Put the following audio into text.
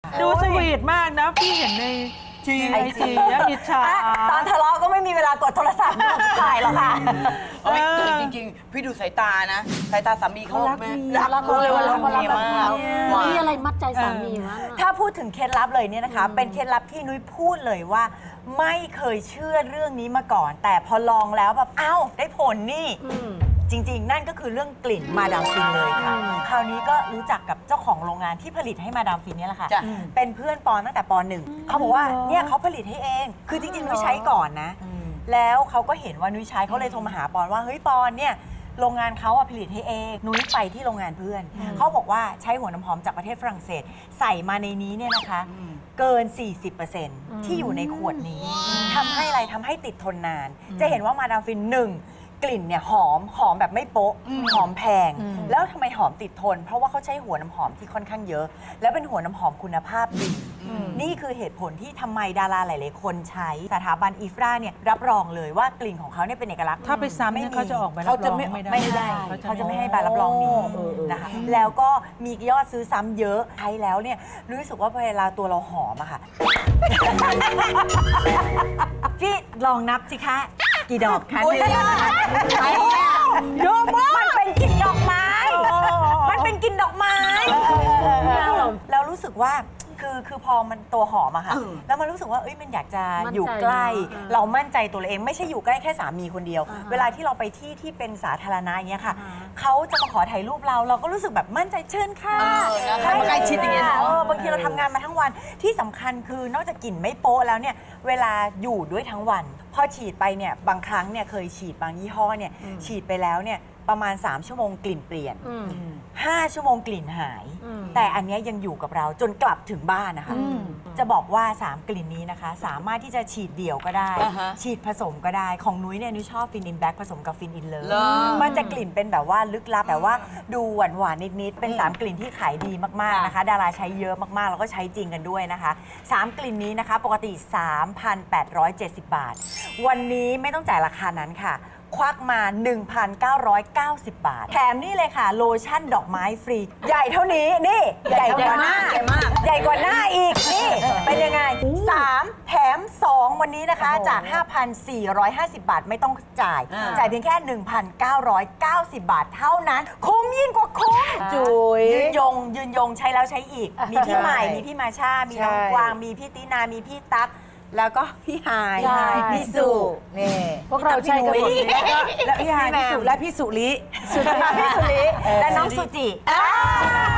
ดูสวีทมากนะพี่เห็นในไอจีแล้วอิจฉาตอนทะเลาะก็ไม่มีเวลากดโทรศัพท์ถ่ายหรอกค่ะจริงๆ พี่ดูสายตานะสายตาสามีเขารักรักรู้เลยว่ารักเมียมากมีอะไรมัดใจสามีมั้งถ้าพูดถึงเคล็ดลับเลยเนี่ยนะคะ เป็นเคล็ดลับที่นุ้ยพูดเลยว่า ไม่เคยเชื่อเรื่องนี้มาก่อน แต่พอลองแล้วแบบเอ้าได้ผลนี่ จริงๆ นั่นก็คือเรื่องกลิ่นมาดามฟินเลยค่ะ คราวนี้ก็รู้จักกับเจ้าของโรงงานที่ผลิตให้มาดามฟินเนี่ยแหละค่ะ เป็นเพื่อนปอนตั้งแต่ปหนึ่งเขาบอกว่าเนี่ยเขาผลิตให้เอง คือจริงๆ นุ้ยใช้ก่อนนะ แล้วเขาก็เห็นว่านุ้ยใช้เขาเลยโทรมาหาปอนว่าเฮ้ยปอนเนี่ยโรงงานเขาผลิตให้เองนุ้ยไปที่โรงงานเพื่อนเขาบอกว่าใช้หัวน้ำหอมจากประเทศฝรั่งเศสใส่มาในนี้เนี่ยนะคะเกิน 40% ที่อยู่ในขวดนี้ทำให้อะไรทำให้ติดทนนาน จะเห็นว่ามาดามฟินหนึ่งกลิ่นเนี่ยหอมแบบไม่โป๊ะหอมแพง แล้วทำไมหอมติดทน เพราะว่าเขาใช้หัวน้ำหอมที่ค่อนข้างเยอะ แล้วเป็นหัวน้ำหอมคุณภาพดีนี่คือเหตุผลที่ทำไมดาราหลายๆคนใช้สถาบันอีฟราเนี่ยรับรองเลยว่ากลิ่นของเขาเนี่ยเป็นเอกลักษณ์ถ้าไปซ้ำเนี่ยเขาจะออกใบรับรองไม่ได้เขาจะไม่ให้ใบรับรองนี้นะคะแล้วก็มียอดซื้อซ้ำเยอะใช้แล้วเนี่ยรู้สึกว่าเวลาตัวเราหอมอะค่ะ พี่ลองนับสิคะกี่ดอกคะเยอะมากมันเป็นกลิ่นดอกไม้ มันเป็นกลิ่นดอกไม้แล้วรู้สึกว่าคือพอมันตัวหอมอะค่ะแล้วมันรู้สึกว่ามันอยากจะอยู่ใกล้ เรามั่นใจตัวเราเองไม่ใช่อยู่ใกล้แค่สามีคนเดียว เวลาที่เราไปที่เป็นสาธารณะอย่างเงี้ยค่ะเขาจะมาขอถ่ายรูปเราก็รู้สึกแบบมั่นใจเชิญค่ะใกล้ชิดอย่างเงี้ยเนาะบางทีเราทำงานมาทั้งวันที่สำคัญคือนอกจากกลิ่นไม่โป๊ะแล้วเนี่ยเวลาอยู่ด้วยทั้งวันพอฉีดไปเนี่ยบางครั้งเนี่ยเคยฉีดบางยี่ห้อเนี่ยฉีดไปแล้วเนี่ยประมาณ3ชั่วโมงกลิ่นเปลี่ยน5ชั่วโมงกลิ่นหายแต่อันนี้ยังอยู่กับเราจนกลับถึงบ้านนะคะจะบอกว่า3กลิ่นนี้นะคะสามารถที่จะฉีดเดี่ยวก็ได้ฉีดผสมก็ได้ของนุ้ยเนี่ยนุ้ยชอบฟินอินแบ็กผสมกับฟินอินเลิฟมันจะกลิ่นเป็นแบบว่าลึกลับแต่ว่าดูหวานๆนิดๆเป็น3กลิ่นที่ขายดีมากๆนะคะดาราใช้เยอะมากๆแล้วก็ใช้จริงกันด้วยนะคะ3กลิ่นนี้นะคะปกติ 3,870 บาทวันนี้ไม่ต้องจ่ายราคานั้นค่ะควักมา 1,990 บาทแถมนี่เลยค่ะโลชั่นดอกไม้ฟรีใหญ่เท่านี้นี่ใหญ่กว่าหน้าใหญ่กว่าหน้าอีกนี่เป็นยังไง3แถม2วันนี้นะคะจาก 5,450 บาทไม่ต้องจ่ายเพียงแค่ 1,990 บาทเท่านั้นคุ้มยิ่งกว่าคุ้มจุ๋ยยืนยงใช้แล้วใช้อีกมีพี่ใหม่มีพี่มาชามีน้องกวางมีพี่ตินามีพี่ตั๊กแล้วก็พี่หายพี่สุนี่พวกเราใช้กันหมดและพี่หายพี่สุและพี่สุริและน้องสุจิ